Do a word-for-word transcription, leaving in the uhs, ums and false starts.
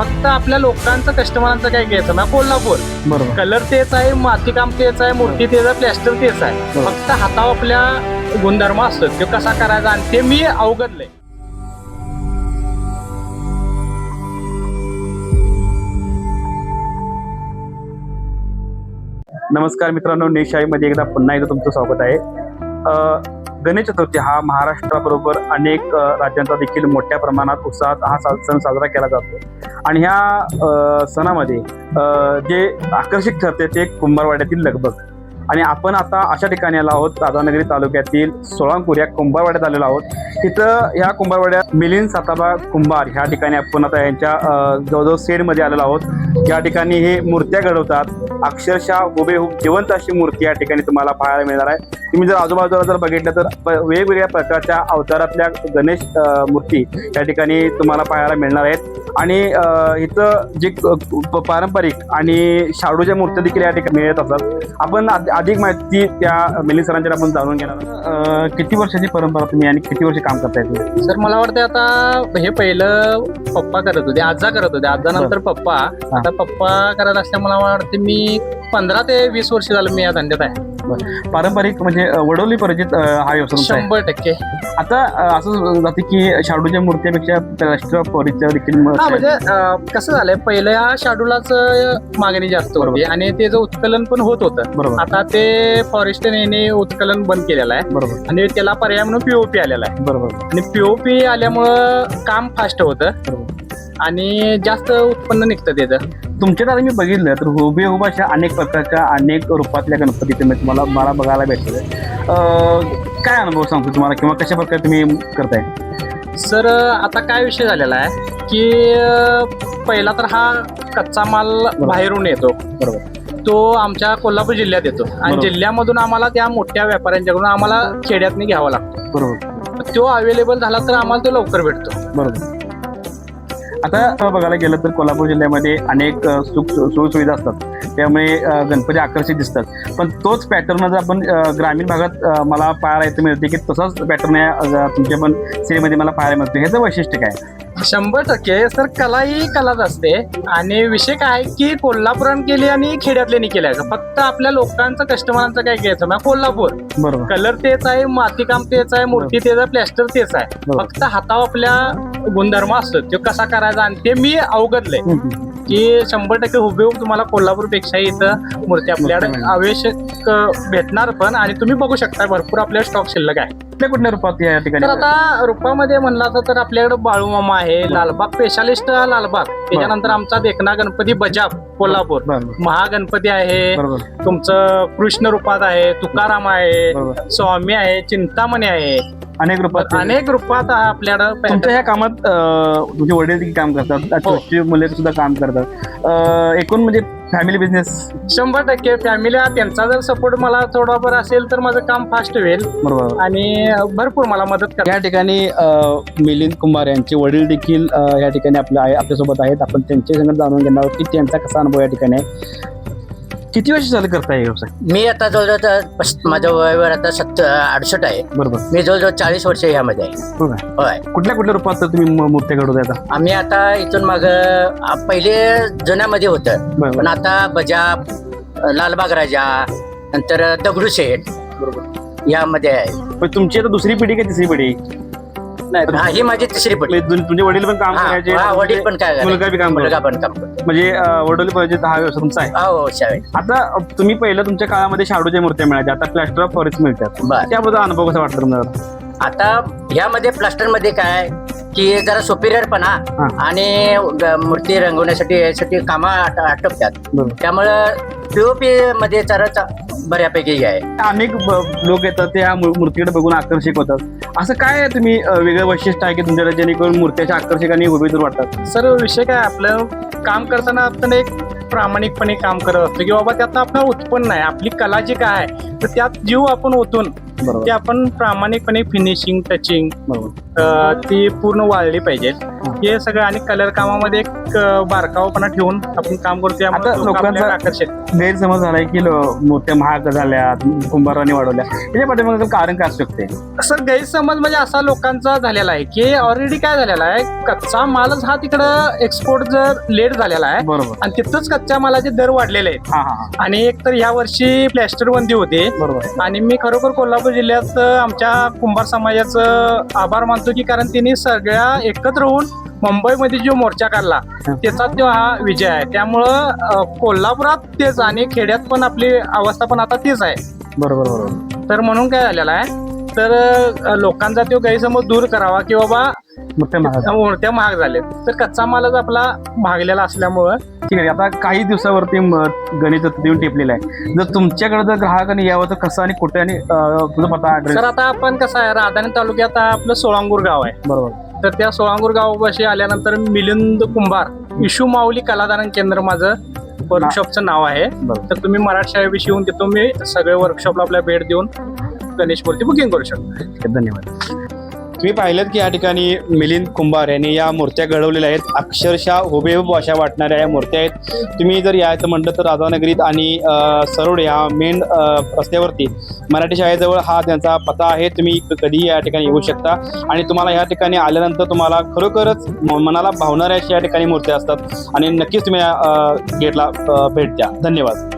फक्त आपल्या लोकांचं कस्टमरांचं काय घ्यायचं ना कोल्हापूर बरोबर कलर तेच आहे, मातीकाम तेच आहे, मूर्ती तेच आहे, प्लॅस्टर तेच आहे. बरोबर. फक्त हातावर आपल्या गुणधर्म असतो तो कसा करायचा आणि ते मी अवगतलंय. नमस्कार मित्रांनो, निशाईमध्ये एकदा पुन्हा एकदा तुमचं स्वागत आहे. अ, गणेश चतुर्थी हा महाराष्ट्राबरोबर अनेक अ, राज्यांचा देखील मोठ्या प्रमाणात उत्साहात हा सा- सण साजरा केला जातो आणि ह्या अ, सणामध्ये अ, जे आकर्षक ठरते ते कुंभारवाड्यातील लगबग. आणि आपण आता अशा ठिकाणी आलो आहोत, राधानगरी तालुक्यातील सोळांपूर या कुंभारवाड्यात आलेलो आहोत. तिथं ह्या कुंभारवाड्यात मिलिंद साताबा कुंभार ह्या ठिकाणी आपण आता यांच्या अ, जवळजवळ शेडमध्ये आलेलो आहोत. या ठिकाणी हे मूर्त्या घडवतात. अक्षरशः हुबेहूब जिवंत अशी मूर्ती या ठिकाणी तुम्हाला पाहायला मिळणार आहे. तुम्ही जर आजूबाजूला जर बघितलं तर प- वेगवेगळ्या प्रकारच्या अवतारातल्या गणेश अ, मूर्ती या ठिकाणी तुम्हाला पाहायला मिळणार आहेत. आणि अ, इथं जे क- प- पारंपरिक आणि शाडूच्या मूर्त्या देखील या ठिकाणी मिळत असतात. आपण आध- अधिक माहिती त्या मिलिंद सरांच्या आपण जाणून घेणार आहोत. अ, किती वर्षाची परंपरा तुम्ही आणि किती वर्ष काम करताय तुम्ही? सर मला वाटतं आता हे पहिलं पप्पा करत होते, आजा करत होते, आजा नंतर पप्पा. आता पप्पा करत असल्यामुळे मला वाटते मी पंधरा ते वीस वर्ष झालं मी या धंद्यात आहे. पारंपरिक म्हणजे अ, वडोली परिचित अ, हा व्यवसाय तुमचा आहे. शंभर टक्के. आता अ, असं जाते की शाडूच्या मूर्त्यापेक्षा राष्ट्रपरीच्या देखील हा मूर्त्या म्हणजे अं, कसं झालंय पहिलं या शाडूलाच मागणी जास्त होती बरोबर. आणि त्याचं उत्कलन पण होत होतं. बरोबर आता ते फॉरेस्टने उत्कलन बंद केलेलं आहे बरोबर आणि त्याला पर्याय म्हणून पीओपी आलेला आहे. बरोबर आणि पीओपी आल्यामुळं काम फास्ट होतं बरोबर. आणि जास्त उत्पन्न निघतं त्याचं. तुमच्यात आता मी बघितलं तर हुबेहूब अशा अनेक प्रकारच्या अनेक रूपातल्या गणपती तुम्ही तुम्हाला मला बघायला भेटले. काय अनुभव सांगतो तुम्हाला किंवा कशा प्रकारे तुम्ही करताय? सर आता काय विषय झालेला आहे की अं, पहिला तर हा कच्चा माल बाहेरून येतो. बरोबर तो आमच्या कोल्हापूर जिल्ह्यात येतो आणि बरोबर. जिल्ह्यामधून आम्हाला त्या मोठ्या व्यापाऱ्यांच्याकडून आम्हाला खेड्यातनी घ्यावा लागतो. बरोबर तो अवेलेबल झाला तर आम्हाला तो लवकर भेटतो. बरोबर. आता बघायला गेलं तर कोल्हापूर जिल्ह्यामध्ये अनेक अ, सुख सोयीसुविधा असतात, त्यामुळे अ, गणपती आकर्षित दिसतात. पण तोच पॅटर्न जर आपण अ, ग्रामीण भागात अ, मला पाहायला येतं मिळते की तसाच पॅटर्न या तुमच्या पण सिरीमध्ये मला पाहायला मिळतो. ह्याचं वैशिष्ट्य काय? शंभर टक्के सर, कला ही कलाच असते. आणि विषय काय की कोल्हापुरात केली आणि खेड्यातल्यानी केल्या. फक्त आपल्या लोकांचं कस्टमरांचं काय घ्यायचं ना कोल्हापूर बरोबर कलर तेच आहे, मातीकाम तेच आहे, मूर्ती तेच आहे, प्लॅस्टर तेच आहे. बरोबर. फक्त हातावर आपल्या गुणधर्म असतो तो कसा करायचा आणि ते मी अवगतलंय हम्म. की शंभर टक्के हुबेहूब तुम्हाला कोल्हापूर पेक्षा इथं मूर्ती आपल्याकडे मूर्ती आवश्यक भेटणार पण. आणि तुम्ही बघू शकता भरपूर आपल्या स्टॉक शिल्लक आहे. कुठल्या कुठल्या रूपात या ठिकाणी? तर आता रूपामध्ये म्हणला तर आपल्याकडे बाळूमामा आहे, लालबाग स्पेशालिस्ट लालबाग, त्याच्यानंतर आमचा देखना गणपती बजाब कोल्हापूर, बरोबर महागणपती आहे, बरोबर तुमचं कृष्ण रूपात आहे, तुकाराम आहे, बरोबर. स्वामी आहे, चिंतामणी आहे. अनेक रूपात अनेक रूपात आहे तुमच्या आपल्याकडं. ह्या कामात अ, तुमचे वडील देखील काम करतात, छोटी मुले सुद्धा काम करतात. अ, एकूण म्हणजे फॅमिली बिझनेस. शंभर टक्के फॅमिली त्यांचा जर सपोर्ट मला थोडाफार असेल तर माझं काम फास्ट होईल बरोबर. आणि भरपूर मला मदत कर. या ठिकाणी अ, मिलिंद कुंभार यांचे वडील देखील अ, या ठिकाणी आपल्या आहे आपल्यासोबत आहेत. आपण त्यांच्या संगत जाणून घेणार आहोत की त्यांचा कसा अनुभव या ठिकाणी आहे. किती वर्ष झालं करताय हे व्यवसाय? मी आता जवळजवळ आता पस- माझं वयवर आता सत्तर अडुसष्ट आहे. बरोबर मी जवळजवळ चाळीस वर्ष ह्यामध्ये आहे. हो का? होय. कुठल्या कुठल्या रूपात तुम्ही मू- मूर्त्या घडवताय आता? आम्ही आता इथून माग पहिले जुन्यामध्ये होतं, बरोबर पण आता बजाब, लालबाग राजा, नंतर दगडूशेठ बरोबर. यामध्ये आहे. पण तुमची आता दुसरी पिढी का तिसरी पिढी? हा, ही माझी तिसरी पिढी. म्हणजे तुम- तुमचे वडील पण काम हा, करायचे, हा, वडील पण काय मुलगा बी काम मुलगा करतो. पण काम करतो. म्हणजे अ, वडील पाहिजे हा व्यवसाय तुमचा आहे. हो शाळेत. आता अ, तुम्ही पहिलं तुमच्या काळामध्ये शाडूच्या मूर्त्या मिळायच्या, आता प्लॅस्टर ऑफ फॉरेस्ट मिळतात. बर. त्याबद्दल अनुभव कसा वाटतं तुम्हाला? आता ह्यामध्ये प्लास्टर मध्ये काय की जरा सुपिरियरपणा हा. आणि ग- मूर्ती रंगवण्यासाठी यासाठी कामं आट- आटोपतात. बरोबर. त्यामुळं पीओपी मध्ये जरा चा- बऱ्यापैकी आहे. अनेक ब- लोक येतात त्या मू- मूर्तीकडे बघून आकर्षित होतात. असं काय तुम्ही अ, वेगळं वैशिष्ट्य आहे की तुमच्याकडे जेणेकरून मूर्त्याच्या आकर्षक आणि हुबेहूब वाटतात? सर विषय काय आपलं काम करताना आपण एक प्रामाणिकपणे काम करत असतो की बाबा त्यात आपलं उत्पन्न आहे, आपली कला जी काय आहे तर त्यात जीव आपण ओतून बरोबर ते आपण प्रामाणिकपणे फिनिशिंग टचिंग बरोबर ती पूर्ण वाळली पाहिजे. हे सगळं आणि कलर कामामध्ये एक अं, बारकावपणा ठेवून आपण काम करतो त्यामुळे आता लोकं लोकांचा- आपल्याला आकर्षित. गैरसमज झालाय की लो- मूर्त्या महाग झाल्या, कुंभारांनी वाढवल्या, त्याच्या पाठीमागे कारण काय असू शकते? असं गैरसमज म्हणजे असा लोकांचा झालेला आहे की ऑलरेडी काय झालेला आहे, कच्चा मालच हा तिकडं एक्सपोर्ट जर लेट झालेला आहे बरोबर. आणि तिथंच कच्च्या मालाचे दर वाढलेले आहेत. हा हा हा. आणि एक तर ह्या वर्षी प्लॅस्टर बंदी होते बरोबर. आणि मी खरोखर कोल्हापूर जिल्ह्यात अं, आमच्या कुंभार समाजाचं आभार मानतो की कारण त्यांनी सगळ्या एकत्र होऊन मुंबईमध्ये जो मोर्चा काढला त्याचा तो हा विजय आहे. त्यामुळं अं, कोल्हापुरात तेच आणि खेड्यात पण आपली अवस्था पण आता तेच आहे. बरोबर बरोबर. तर म्हणून काय झालेलं आहे, तर अं, लोकांचा तो गैरसमज दूर करावा की बाबा मूर्त्या महाग. मूर्त्या महाग झाल्या, तर कच्चा मालच आपला महागलेला असल्यामुळं. ठीक आहे. आता काही दिवसावरती म- गणेश चतुर्थी येऊन टेपलेला आहे. जर तुमच्याकडे जर ग्राहकांनी यावं तर कसं आणि कुठे आणि अं, तुझा पत्ता ऍड्रेस? तर आता आपण कसं आहे, राधानी तालुक्यात आपलं सोळांगूर गाव आहे. बरोबर. तर त्या सोळांगूर गावापाशी आल्यानंतर मिलिंद कुंभार विशू माऊली कलादान केंद्र माझं वर्कशॉपचं नाव आहे. बरोबर. तर तुम्ही मराठी शाळेविषयी येऊन तिथून मी सगळे वर्कशॉपला आपल्या भेट देऊन गणेश मूर्ती बुकिंग करू शकता. ठीक आहे, धन्यवाद. तुम्ही पाहिलं की या ठिकाणी मिलिंद कुंभार यांनी या मूर्त्या घडवलेल्या आहेत. अक्षरशः हुबेहूब अशा वाटणाऱ्या या मूर्त्या आहेत. तुम्ही जर यायचं म्हटलं तर राधानगरीत आणि अ, सरोड या मेन रस्त्यावरती मराठी शाळेजवळ हा त्यांचा पत्ता आहे. तुम्ही कधीही या ठिकाणी येऊ शकता आणि तुम्हाला या ठिकाणी आल्यानंतर तुम्हाला खरोखरच म- मनाला भावणाऱ्या अशा या ठिकाणी मूर्त्या असतात आणि नक्कीच तुम्ही या, अ, गेटला अ, भेट द्या. धन्यवाद.